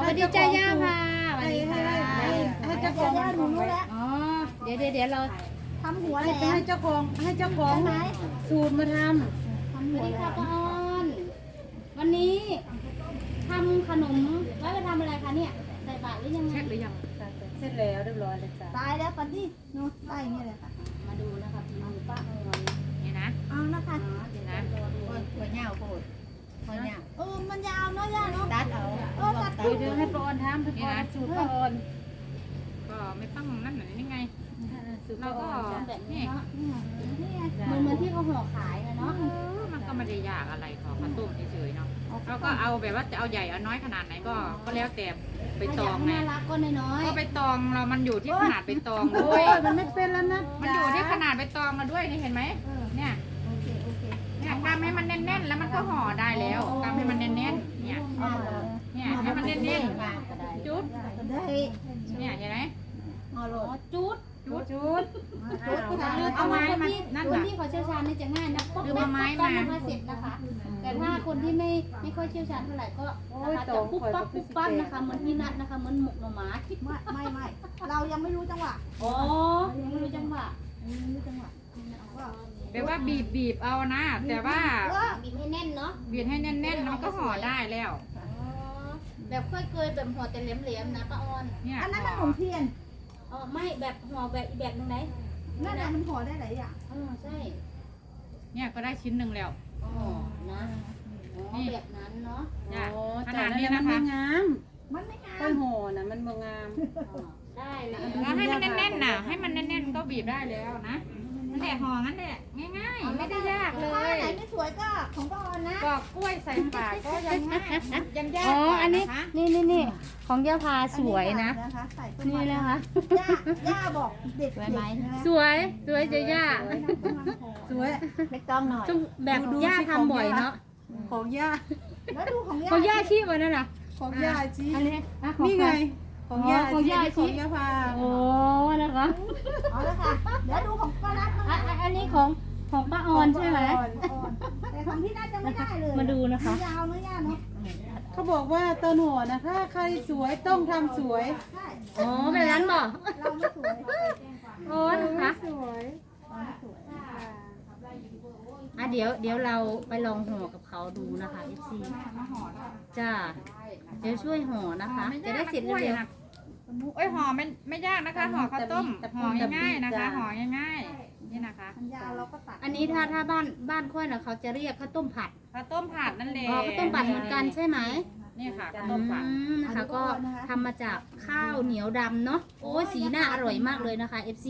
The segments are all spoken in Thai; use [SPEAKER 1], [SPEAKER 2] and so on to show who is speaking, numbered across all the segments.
[SPEAKER 1] วัสดีจ้าย่าค่ะสวัสดีค่ะ
[SPEAKER 2] ให้เจ้าของหนูรู้แล้ว
[SPEAKER 1] อ๋อเดี๋ยวเรา
[SPEAKER 2] ทำหัวแหล
[SPEAKER 3] ให้
[SPEAKER 2] ม
[SPEAKER 3] เจ้าของสูตรมาท
[SPEAKER 2] ทำ
[SPEAKER 1] ส
[SPEAKER 2] หั
[SPEAKER 1] วั
[SPEAKER 2] ว
[SPEAKER 1] สดี
[SPEAKER 2] แหล
[SPEAKER 1] ค่ะ
[SPEAKER 2] ม
[SPEAKER 1] ป้าออนวันนี้ทำขนมไว้ไปทำอะไรคะเนี่ยใส่บาตรหรือยังไง
[SPEAKER 3] ำเสร็จแล้วเรียบร้อยเลยจ้ะ
[SPEAKER 2] ตายแล้วปันดิหนูได้อย่างนี้เลยค่ะ
[SPEAKER 1] มาดูนะคะฝีมือป้าออน
[SPEAKER 4] นี่นะ
[SPEAKER 2] เอานะคะ
[SPEAKER 1] เดี๋ยวนะหัวเหนียวโคตรหัวเหนียว
[SPEAKER 2] มันยาวเนาะย่าเนาะ
[SPEAKER 1] ตัดเอา
[SPEAKER 2] ตัด
[SPEAKER 3] เดี๋ยวให้ป้าออนทำทุกคนสูตรป้าออน
[SPEAKER 4] ก็ไม่ต้องนั่นหน่อยนี่ไง
[SPEAKER 3] สูตร
[SPEAKER 4] เรา
[SPEAKER 3] ป้าอ
[SPEAKER 4] ก็
[SPEAKER 3] อนจ้ะ
[SPEAKER 1] แบบนี้
[SPEAKER 4] นี่
[SPEAKER 1] เนาะ
[SPEAKER 2] นี่ไง
[SPEAKER 1] เหมือนที่เขาห่อขายนะเนาะ
[SPEAKER 4] มันก็ไม่ได้ยากอะไรขอข้าวต้มเฉยๆเนาะเราก็เอาแบบว่าจะเอาใหญ่เอาน้อยขนาดไหนก็แล้วแต่ไปตอง
[SPEAKER 1] น่า
[SPEAKER 4] ไง
[SPEAKER 1] รักก็น้อย
[SPEAKER 4] ก็ไปตองเรามันอยู่ที่ขนาดไปตอง
[SPEAKER 3] โอ้
[SPEAKER 4] ด้วย
[SPEAKER 3] ยมันไม่เป็นแล้วนะ
[SPEAKER 4] มันอยู่ที่ขนาดไปตองเราด้วยนี่เห็นไหมเนี่ย
[SPEAKER 2] โอเค
[SPEAKER 4] เนี่ยกำให้มันแน่นๆ แล้วมันก็ห่อได้แล้วกำให้มันแน่นๆเนี่ยเนี่ยให้มันแน่นๆจุด
[SPEAKER 2] ได้
[SPEAKER 4] เนี่ยเห็นไหม
[SPEAKER 2] เอาโหล
[SPEAKER 1] ๆอ๋อ
[SPEAKER 2] ด
[SPEAKER 1] จุด
[SPEAKER 3] จุด
[SPEAKER 4] เอาไม้มา
[SPEAKER 1] ค
[SPEAKER 4] นั่น
[SPEAKER 1] น
[SPEAKER 4] น่ะ
[SPEAKER 1] ที่เขาเชี่ยวชาญนี่จะง่ายนะป๊อก
[SPEAKER 4] หรือ
[SPEAKER 1] แป๊
[SPEAKER 4] เอา
[SPEAKER 1] ก
[SPEAKER 4] ไม้
[SPEAKER 1] ป๊อก
[SPEAKER 4] มา
[SPEAKER 1] นะคะเสร็จนะคะ แต่ถ้าคนที่ไม่ค่อยเชี่ยวชาญเท่าไหร่ก็นะคะจะปุ๊บปั๊บปุ๊บปั๊บนะคะเหมือนที่นัดนะคะเหมือนหมกหน่อไม้
[SPEAKER 2] ไม่เรายังไม่รู้จังหวะ
[SPEAKER 1] อ๋อยังไม่รู้จังหวะ
[SPEAKER 2] ยังไม่รู้จังหวะก็
[SPEAKER 4] แบบว่าบีบเอานะ แต่ว่า
[SPEAKER 1] บีบให้แน่นเนาะ
[SPEAKER 4] บีบให้แน่นๆแล้วมันก็ห่อได้แล้ว
[SPEAKER 1] อ๋อแบบค่อยเคยแบบห่อแต่เหลมๆนะป้าออน
[SPEAKER 4] เนี่ย
[SPEAKER 2] อันนั้นมันขนมเทียน
[SPEAKER 1] อ๋อไม่แบบห่อแบบอีกแบบหนึงไหน
[SPEAKER 2] นั่นแหละมันห่อได้หลายอย่าง
[SPEAKER 1] อ๋อใช่
[SPEAKER 4] เนี่ยก็ได้ชิ้นหนึ่งแล้ว
[SPEAKER 1] อ๋อนะอ๋อแบบนั้นเนาะ
[SPEAKER 4] เนี่ย
[SPEAKER 3] โอ้
[SPEAKER 4] ข
[SPEAKER 3] แต่
[SPEAKER 4] นาด
[SPEAKER 3] นั่น
[SPEAKER 4] นี้
[SPEAKER 3] มั
[SPEAKER 4] นะ
[SPEAKER 3] นไม่
[SPEAKER 4] คะ
[SPEAKER 3] งาม
[SPEAKER 2] มันไม่งา
[SPEAKER 3] ต้
[SPEAKER 2] ม
[SPEAKER 3] นห่อน่ะมันบ่งาม
[SPEAKER 1] อ๋อได้เลย
[SPEAKER 4] แล้วให้มันแน่นๆน่ะ ให้มันแน่นๆก็บีบได้แล้วนะนั่นแหละห่องั้นแหละง่ายๆไม่ได้ยากเล
[SPEAKER 2] ถ้าย ไหนไม่สวยก็ของป้าออนนะ
[SPEAKER 4] ปอกกล้วยใส่ปากก็ยังง่ายยังยาก
[SPEAKER 1] อ๋อก
[SPEAKER 4] ว่า
[SPEAKER 1] อันนี้
[SPEAKER 4] นะคะ
[SPEAKER 1] นี่ของย่าพาสวยนะ
[SPEAKER 2] ใส่
[SPEAKER 1] นี่นะคะ
[SPEAKER 2] ย่าบอกเด็ก
[SPEAKER 1] สวยไหม
[SPEAKER 2] ๆ
[SPEAKER 1] สวยจะย่า
[SPEAKER 3] สวย
[SPEAKER 2] ไม่ต้องหน่อย
[SPEAKER 1] ต้องแบบย่าทำบ่อยเนาะ
[SPEAKER 3] ของย่า
[SPEAKER 2] แล้วดูของย่า
[SPEAKER 1] ของย่าชีพวันนั้นน่ะ
[SPEAKER 3] ของย่าชี
[SPEAKER 1] อันนี้อ่ะของ
[SPEAKER 3] นี่ไง
[SPEAKER 1] ใคร
[SPEAKER 3] ของย่า
[SPEAKER 1] ของย่า
[SPEAKER 3] ของย่าพา
[SPEAKER 1] โอ้นะคะ
[SPEAKER 2] เอาละค่ะเดี๋ยวดูของป้านัท
[SPEAKER 1] อันนี้ของป้าออนใช่ไหม
[SPEAKER 2] แต่ของพี่นัทจะไม่ได้เลย
[SPEAKER 1] มาดูนะคะ
[SPEAKER 2] ยาวเนื้อย่าเนาะ
[SPEAKER 3] เขาบอกว่าต้นห่อนะถ้าใครสวยต้องทำสวย
[SPEAKER 2] ใช่
[SPEAKER 1] อ๋อแบบนั้นบอก
[SPEAKER 2] เราไม่สวย
[SPEAKER 1] โอ้นะคะ
[SPEAKER 3] สวย
[SPEAKER 2] เราไม่สวย
[SPEAKER 1] อ่ะเดี๋ยวเราไปลองห่อกับเขาดูนะคะ FC จ้าเดี๋ยวช่วยห่อนะคะ จะได้เสร็จเร็ว
[SPEAKER 4] โอ้ยห่อไม่ยากนะคะห่อข้าวต้มห่อง่ายๆนะคะห่อง่ายๆนี่นะคะ
[SPEAKER 2] มันยาวเราก็ตัด
[SPEAKER 1] ๆอันนี้ถ้าบ้านค่อยนะเขาจะเรียกข้าวต้มผัด
[SPEAKER 4] ข้าวต้มผัดนั่นแหละ
[SPEAKER 1] อ๋อข้าวต้มผัดเหมือนกันใช่ไหม
[SPEAKER 4] นี่ค่ะข้าว
[SPEAKER 1] อื
[SPEAKER 4] ต้มผัด
[SPEAKER 1] มนะคะก็ทำมาจากข้าวเหนียวดำเนาะโอ้ยสีหน้าอร่อยมากเลยนะคะ FC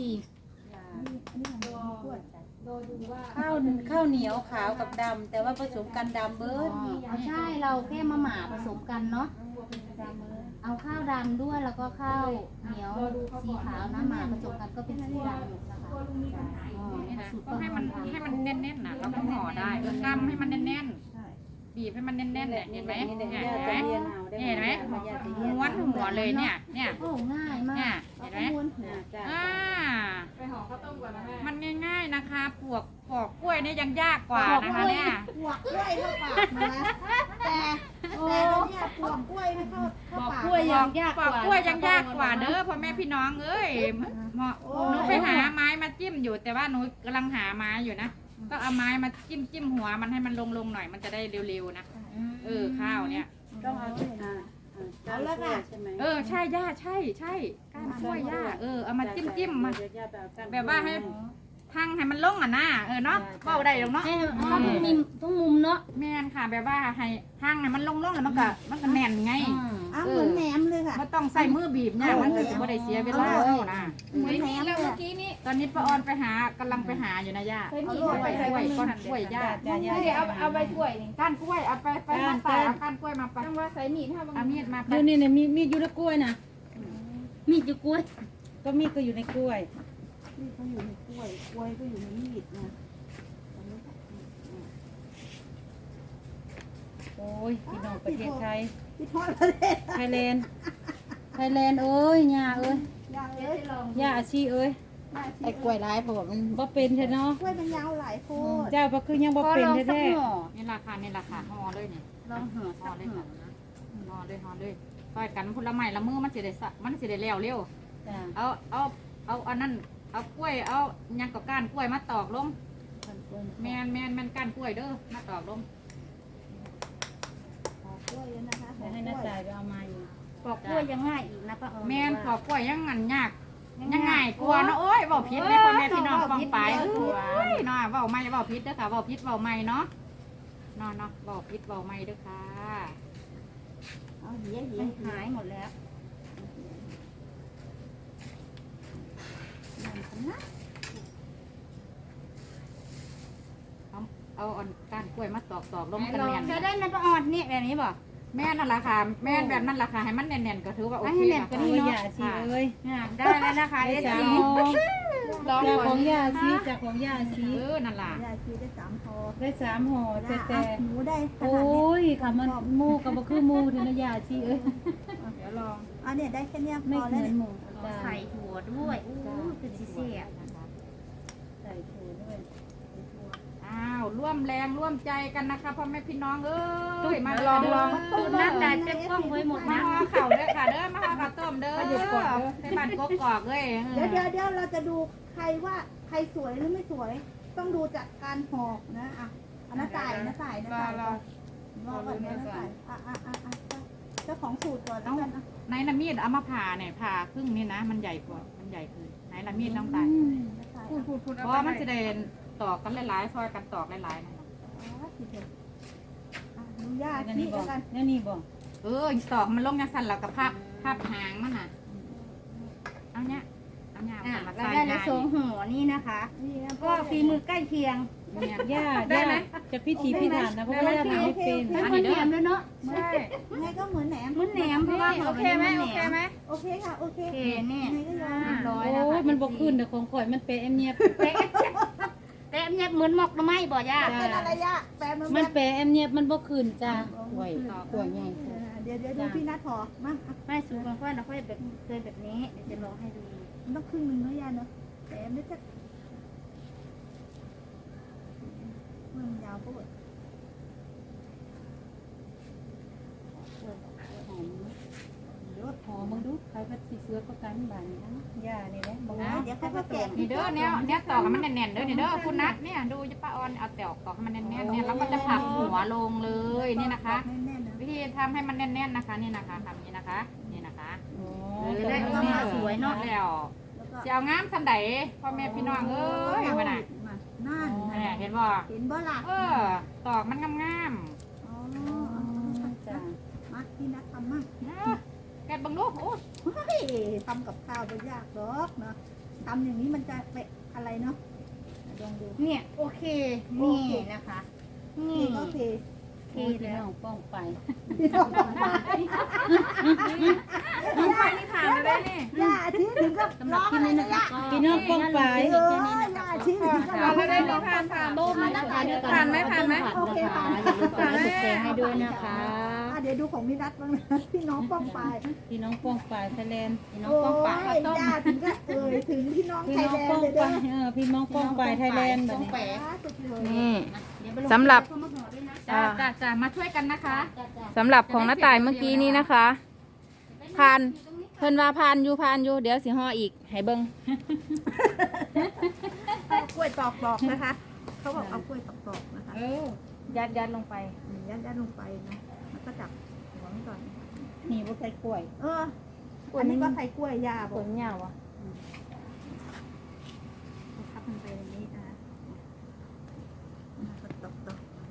[SPEAKER 3] ข้าวเหนียวขาวกับดำแต่ว่าผสมกันดำเบิ
[SPEAKER 1] อ๋
[SPEAKER 3] ด
[SPEAKER 1] อใช่เราแค่มาหม่าผสมกันเนาะเอาข้าวดำด้วยแล้วก็ข้าวเหนียวสีขาวนะหม่าผสมกันก็เป็นสีดำนะคะอ๋อ
[SPEAKER 4] นี่นะ
[SPEAKER 1] สูตร
[SPEAKER 4] ก็
[SPEAKER 1] ป้า
[SPEAKER 4] ให้
[SPEAKER 1] อ
[SPEAKER 4] มั
[SPEAKER 1] อน น
[SPEAKER 4] ให้มันแน่นๆนะเราก็ห่อได้กำให้มันแน่นๆบีบให้มันแน่นๆเนี่ยเห็นไหม
[SPEAKER 3] นี่
[SPEAKER 4] เนี่ย
[SPEAKER 3] ย่า
[SPEAKER 4] เห็น
[SPEAKER 3] จะ
[SPEAKER 4] ไหม
[SPEAKER 3] เรียนเอาได้
[SPEAKER 4] เห็นไหม
[SPEAKER 3] ย่าจะเรียน
[SPEAKER 4] ม้วนหัวเลยเนี่ยเนี่ย
[SPEAKER 1] โอ้ง่ายมา
[SPEAKER 4] เนี่ย
[SPEAKER 1] ก
[SPEAKER 4] เห็นไหม
[SPEAKER 1] ม้วนหัว
[SPEAKER 3] จ้า
[SPEAKER 4] อ่ามันง่ายๆนะคะปอกกล้วยเนี่ยยังยากกว่านะคะเนี่ย
[SPEAKER 2] ปวกกล้วยเข้าปากนะแต่เนี่ยปวกกล้วยไม่เข้า
[SPEAKER 1] บอก
[SPEAKER 2] ปาก
[SPEAKER 1] กล้วยยังยาก
[SPEAKER 4] ป
[SPEAKER 1] ก
[SPEAKER 4] อก
[SPEAKER 1] ว่าก
[SPEAKER 4] ล้วยยังยากกว่าเด้อพ่อแม่พี่น้องเอ้ยเหมาะหนูไปหาไม้มาจิ้มอยู่ แต่ว่าหนูกำลังหาไม้อยู่นะก็เอาไม้มาจิ้มหัวมันให้มันลงหน่อยมันจะได้เร็วๆนะข้าวเนี่ย
[SPEAKER 3] ต้องเอาที่เอาแล้วค่ะใช่ไหม
[SPEAKER 4] ใช่ย่าใช่ก้านกล้วยย่าเอามาจิ้มมา
[SPEAKER 3] เดี๋ยวย่าไปเอาก้น
[SPEAKER 4] แบบว่าให้ทั้งให้มันลงอ่ะนะเนาะเบาได้หรอกเนาะ
[SPEAKER 1] ให้ทุกมุมเนาะ
[SPEAKER 4] แม่นค่ะแบบว่าให้ทั้งให้มันลงแล้วมันก็แน่นไง
[SPEAKER 2] อ้าวเหมือนแหนมเลยค่ะ
[SPEAKER 4] ไม่ต้องใส่มือบีบเนี่ยมันก็จะไม่ได้เสียเวลาแล้วนะ
[SPEAKER 2] เหมือนแหนมเลย
[SPEAKER 4] ตอนนี้ป้าออนไปหากำลังไปหาอยู่นะย่าเอากล้วยก้อนกล้วยย่า
[SPEAKER 3] จ้าย่า
[SPEAKER 4] เอาใบกล้วยนี่ก้านกล้วยเอาไปมาตัดเอาก้านกล้วยมาปัดว่าใส่มีดเอามีดมา
[SPEAKER 3] ดูนี่เนี่ยมีอยู่ในกล้วยนะ
[SPEAKER 1] มีดอยู่กล้วย
[SPEAKER 3] ก็มีดก็อยู่ในกล้วย
[SPEAKER 2] นี่เขาอยู่ในกล้วยกล้วยก็อยู่ในมีดนะ
[SPEAKER 3] โอ้ยพี่น้องประเทศไทย
[SPEAKER 2] พี่ทอดประเทศ
[SPEAKER 3] ไทยแลนด์เอ้ยย่าเอ้ย
[SPEAKER 2] ยังเลย
[SPEAKER 3] ย่าอาชีเอ้ย
[SPEAKER 1] ไอ้กล้วยร้ายผมมัน
[SPEAKER 3] บ่เป็นแท้เนาะ
[SPEAKER 2] กล้วยมันยาวหลายโพด
[SPEAKER 3] เจ้าบ่คือยังบ่เป็นแท้
[SPEAKER 4] นี่ราคาห่อเลยนี่
[SPEAKER 1] ลองห่อสักห่อนะ
[SPEAKER 4] ห่อเลยซอยกันพุ่นละไม้ละมือมันสิได้แล้วเร็ว
[SPEAKER 3] จ้า
[SPEAKER 4] เอาอันนั้นเอากล้วยเอาหยังกับก้านกล้วยมาตอกลงแม่นก้านกล้วยเด้อมาตอกลง
[SPEAKER 2] กล้วยนะคะ
[SPEAKER 3] เดี๋ยวให้น้าจ่ายไปเอามาอยู่
[SPEAKER 1] ปอกกล้วยยังง่ายอีกนะป้าออน
[SPEAKER 4] แม่นปอกกล้วยยังงันยากยังง่ายกว่าเนาะโอ้ยเว้าผิดเลยพ่อแม่พี่น้องฟังไปเอ้ยเนาะเว้าไม่เว้าผิดเด้อค่ะเว้าผิดเว้าไม่เนาะเนาะเว้าผิดเว้าไม่เด้อค่ะ
[SPEAKER 2] เอาเหี้ย
[SPEAKER 1] มันหายหมดแล้ว
[SPEAKER 4] เอาอันก้านกล้วยมาตอกลงกันแน่น
[SPEAKER 1] จะได้นะป้าออนเนี่ยแบบนี้บ่
[SPEAKER 4] แม่นั่นล่ะค่ะแม่นแบบนั้นล่ะค่ะให้มันแน่นๆก็ถือว่าโอเค
[SPEAKER 1] ให้แน่นกว่า
[SPEAKER 3] โอ้
[SPEAKER 1] นี้
[SPEAKER 3] ย
[SPEAKER 1] เนาะ
[SPEAKER 3] อย่าชีเอ้ย
[SPEAKER 1] ได้แล้วนะคะเอ
[SPEAKER 3] ได้
[SPEAKER 1] ซี
[SPEAKER 3] 3ห่อ
[SPEAKER 4] ลอง
[SPEAKER 3] จาก
[SPEAKER 4] ก่
[SPEAKER 3] ข
[SPEAKER 4] อ
[SPEAKER 3] อน งย่าชีจากของย่าชี
[SPEAKER 4] นั่นล่ะ
[SPEAKER 2] ยาชีได้3 พอ
[SPEAKER 3] ได้3ห่อแต่
[SPEAKER 2] หนูได้ข
[SPEAKER 3] โอ้
[SPEAKER 2] นาดนี้
[SPEAKER 3] ยค่ะมันหมูกับบ่คือหมูเทนะย่าชีเอ้ย
[SPEAKER 4] เดี๋ยวลอง
[SPEAKER 2] อันนี้ได้แค่เนี้ยพ
[SPEAKER 3] ไม่
[SPEAKER 2] อ
[SPEAKER 3] เห
[SPEAKER 2] แล้ว
[SPEAKER 3] มือน
[SPEAKER 2] เนี่ย
[SPEAKER 3] หมูจ้า
[SPEAKER 1] ใส่ถั่วด้วยอู้คือซีเซ่บ
[SPEAKER 3] ใส่ถั่วด้วย
[SPEAKER 4] อ้าวร่วมแรงร่วมใจกันนะคะพ่อแม่พี่น้องเอ้ยมา
[SPEAKER 1] ลอง
[SPEAKER 4] ตุ้
[SPEAKER 1] น้ำตาลเต็มกล้องไว้หมด
[SPEAKER 4] มา
[SPEAKER 1] นะ
[SPEAKER 4] ห่อเข่าเด้อค่ะเด้อมาห่อข้าวต้มเด้อในบ้านกกอกเอ้ย
[SPEAKER 2] เดี๋ยวเราจะดูใครว่าใครสวยหรือไม่สวย ต้องดูจากการห่อนะอ่ะอันนั้นจ่ายนะจ่ายนะจ่ายรอก่อนนะจ่ายเจ้าของสูตรก่อนแล้วกันนะ
[SPEAKER 4] ไหนละมีดเอามาผ่าเนี่ยผ่าครึ่งนี่นะมันใหญ่กว่ามันใหญ่คือไหนละมีดน้องตายเพราะมันจะเดินตอกกันหลายๆซอยกันตอกหลายๆนะ
[SPEAKER 2] ดูยา
[SPEAKER 3] แล้ว
[SPEAKER 2] ชี
[SPEAKER 3] นี่บ่
[SPEAKER 2] แล้วกัน
[SPEAKER 3] แล้วนี่บ่
[SPEAKER 4] ตอกมันลงยาสั่นแล้วกับภาพหางมันน่ะเอาเนี้ยเอาเนี้ย
[SPEAKER 1] อ่ะ
[SPEAKER 4] มา
[SPEAKER 1] เรา
[SPEAKER 4] ใส่
[SPEAKER 1] ได้แล้วสองห่อนี่นะคะ
[SPEAKER 2] นี่นะ
[SPEAKER 1] ก็ฝีมือใกล้เคียง
[SPEAKER 4] เนี่ย
[SPEAKER 3] ย่าจะพิถีพิถันนะเพราะว่าย่าทำไม่เป็น
[SPEAKER 1] แล้วมันแหนมด้วยเนาะ
[SPEAKER 4] ใช่
[SPEAKER 2] ไงก็เหมือนแหนม
[SPEAKER 1] มันแหนมเพราะว่าห่อแบบนี้มันแหนม
[SPEAKER 2] โอเคค่ะโอเค
[SPEAKER 1] โอเคเนี่ย
[SPEAKER 2] ไงก็ยอม
[SPEAKER 1] เรียบร้อย
[SPEAKER 3] โอ้
[SPEAKER 1] แล้วค่ะ
[SPEAKER 3] ยมันบ่ขึ้นแต่ของข่อยมันเปะแอมเนียบ
[SPEAKER 1] แต่อันเนี่ยเหมือนหมอกหน่อไม้บ่ย่า
[SPEAKER 2] เป็นอะไรยะแปลมัน
[SPEAKER 3] มันเปะแอมเนียบมันบ่ขึ้นจ้าข่อยข่อยใหญ่
[SPEAKER 2] เดี๋ยวดูพี่นัทหอมา
[SPEAKER 1] ไม่สูงของค่อยเราค่อยแบบเคยแบบนี้เดี๋ยวจะลองให้ดู
[SPEAKER 2] มันต้องครึ่งนึงเนาะยาเนาะแต่ไม่ใช่มันยาวปุ๊บ
[SPEAKER 3] หอมึงดูใครว่าสิเสือก็กันบานนี้นะย่านี่แหละบ่
[SPEAKER 2] เดี๋ยวเขาก็แกะ
[SPEAKER 4] นี่เด้อเนี้ยตอกให้มันแน่นๆเด้อนี่เด้อคุณนัทเนี่ยดูจะป้าออนเอาตอกให้มันแน่นๆเนี่ยแล้วก็จะผักหัวลงเลยนี่นะคะ
[SPEAKER 2] แน่นๆนะ
[SPEAKER 4] วิธีทำให้มันแน่นๆนะคะนี่นะคะทำนี้นะคะนี่นะคะ
[SPEAKER 3] อ๋อ
[SPEAKER 1] จะได้ก็มาสวยเนาะ
[SPEAKER 4] แล้ว
[SPEAKER 2] แล้วก็
[SPEAKER 4] จะเอางามสันใดพ่อแม่พี่น้องเอ้ยมาน่ะ
[SPEAKER 2] นั่น
[SPEAKER 4] เนี่ยเห็นบ่
[SPEAKER 2] เห็นบ่ล่ะ
[SPEAKER 4] ตอกมันงาม
[SPEAKER 2] อ๋อ
[SPEAKER 3] จ้า
[SPEAKER 2] มาพี่นัททำมั่ง
[SPEAKER 4] ๆแกะบังลูกโอ้ย
[SPEAKER 2] เฮ้ยทำกับข้าวไม่ยากหรอกเนาะทำอย่างนี้มันจะเป็นอะไรเนาะลองดู
[SPEAKER 1] เนี่ยโอเคนี่นะคะ นี่
[SPEAKER 2] นี่ก็โอเค
[SPEAKER 1] โอเค
[SPEAKER 3] พี่
[SPEAKER 1] แล้ว
[SPEAKER 3] น้องป้องไป
[SPEAKER 1] น้องไฟนี่ผ่านไปได้นี่
[SPEAKER 2] ย่าชี้ถึงก็
[SPEAKER 1] สำหรับคลิปนี้นะคะ
[SPEAKER 3] พี่น้องป้องไป
[SPEAKER 2] เออย่าชี้ถึงก็ร้อง
[SPEAKER 4] ได้
[SPEAKER 2] เลย
[SPEAKER 4] ผ่าน
[SPEAKER 1] ต้มนะคะด้วยกันโอเคผ่านอย่าลืมกดไลค์กดแชร์ให้ด้วยนะคะ
[SPEAKER 2] เดี๋ยวดูของพี่นัทบ้างนะพี่น้องป้องไป
[SPEAKER 3] พี่น้องป้องไปไทยแลนด์
[SPEAKER 1] พี่น้องป้องปากข้าวต้ม
[SPEAKER 2] ย่าถึงก็ถึงพี่น้อง
[SPEAKER 3] พี่
[SPEAKER 2] ไทย
[SPEAKER 3] น้อง
[SPEAKER 2] แลน
[SPEAKER 3] ป้อ
[SPEAKER 2] ด์
[SPEAKER 3] ง
[SPEAKER 2] เลย
[SPEAKER 3] ไป
[SPEAKER 2] เด้อ
[SPEAKER 3] พี่น้องป้องไปไทยแลนด์แบบนี้
[SPEAKER 4] นี่
[SPEAKER 1] สำหรับ
[SPEAKER 4] จ้ามาช่วยกันนะคะ
[SPEAKER 5] สำหรับของน้าตายเมื่อกี้นี้นะคะพานเพิ่นว่าพานอยู่เดี๋ยวสิห่ออีกให้เบิ่ง
[SPEAKER 2] กล้วยตอกนะคะเขาบอกเอากล้วยตอกนะคะ
[SPEAKER 1] ยัดลงไป
[SPEAKER 2] ยัดลงไปนะแล้วก็จับหัวมันก่อน
[SPEAKER 3] นี่บ่ใส่กล้วย
[SPEAKER 2] อันนี้ก็ไข่กล้วยยาบ
[SPEAKER 1] ผ
[SPEAKER 2] อก
[SPEAKER 1] ลยาวอ่ะ
[SPEAKER 2] ทับมันไปอย่างนี้นะตอก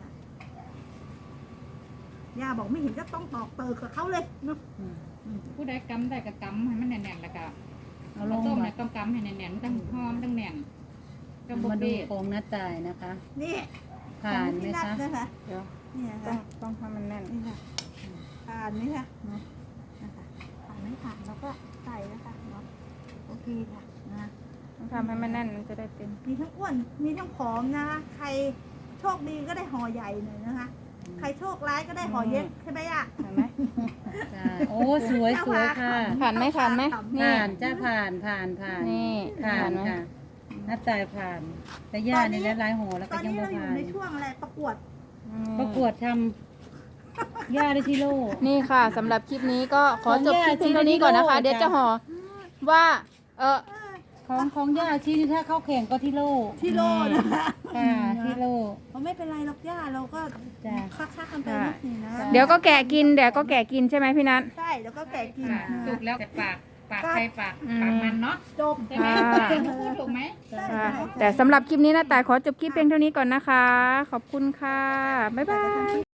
[SPEAKER 2] ยาบอกไม่เห็นก็ต้องตอกเติร์กับเขาเลยเนาะ
[SPEAKER 4] ผู้ใดกำได้ก็กำให้มันแน่นๆแล้วก็
[SPEAKER 3] เอาล
[SPEAKER 4] ข้าว
[SPEAKER 3] ง
[SPEAKER 4] ต้ม
[SPEAKER 3] มา
[SPEAKER 4] เนี่ยกำให้แน่นๆต้องหอมต้องแน่นต้องบุ
[SPEAKER 3] มาดู
[SPEAKER 4] เบ้
[SPEAKER 3] ของน้าตายนะคะ
[SPEAKER 2] นี่
[SPEAKER 3] ผ่านไหม
[SPEAKER 2] นั
[SPEAKER 3] คะ
[SPEAKER 2] นะคะ
[SPEAKER 5] เดี๋ยว
[SPEAKER 2] นี่ค่ะ
[SPEAKER 5] ต้องให้มันแน่น
[SPEAKER 2] นี่ค่ะผ่านไหมคะเนาะนะคะผ่านไม่ผ่านแล้วก็ใส่นะคะเนาะโอเคค่ะนะ
[SPEAKER 5] ต้องทำให้มันแน่นมันจะได้เป็น
[SPEAKER 2] มีทั้งอ้วนมีทั้งผอมนะคะใครโชคดีก็ได้ห่อใหญ่หน่อยนะคะ ใครโชคร้ายก็ได้ห่อเย็กใช่ไหมอ่ะ
[SPEAKER 5] เห็นไหม
[SPEAKER 3] จ้าโอ้สวยสวยค่ะ
[SPEAKER 5] ผ่านไหมผ่านไหมนี่
[SPEAKER 3] ผ่านจ้าผ่านผ่านผ่าน
[SPEAKER 5] นี่
[SPEAKER 3] ผ่าน
[SPEAKER 5] ไหม
[SPEAKER 3] ค่ะน้าตายผ่าน แต่ย่านี่แล้วลายหัวแล้ว
[SPEAKER 2] ต
[SPEAKER 3] ก็
[SPEAKER 2] อน
[SPEAKER 3] ยัง
[SPEAKER 2] นี้
[SPEAKER 3] บ่
[SPEAKER 2] เราอยู่
[SPEAKER 3] ผ่าน
[SPEAKER 2] ในช่วงอะไรประกวด
[SPEAKER 3] ประกวดทย่าได้ที่โล
[SPEAKER 5] นี่ค่ะสำหรับคลิปนี้ก็ขอจบคลิปเพียงเท่านี้ก่อนนะคะ เดี๋ยวจะห่อว่า
[SPEAKER 3] ของย่าชี้นี่ถ้าเข้าแข่งก็ที่โล
[SPEAKER 2] ที่โลนะ
[SPEAKER 3] ค่ะที่โล
[SPEAKER 2] เพราะไม่เป็นไรหรอกย่าเราก็
[SPEAKER 3] จ้ะ
[SPEAKER 2] คักๆกันไปนิดนึงนะ
[SPEAKER 5] เดี๋ยวก็แกะกินใช่ไหมพี่นัท
[SPEAKER 2] ใช่แล้วก็แกะกิน
[SPEAKER 4] สุกแล้วแต่ปากใครปากมันเนาะ
[SPEAKER 2] จบ
[SPEAKER 4] ใช่ไหม
[SPEAKER 5] ค่ะ
[SPEAKER 4] พูดถูกไหม
[SPEAKER 5] ค่ะแต่สำหรับคลิปนี้นะต่ายขอจบคลิปเพียงเท่านี้ก่อนนะคะ ขอบคุณค่ะ บ๊ายบาย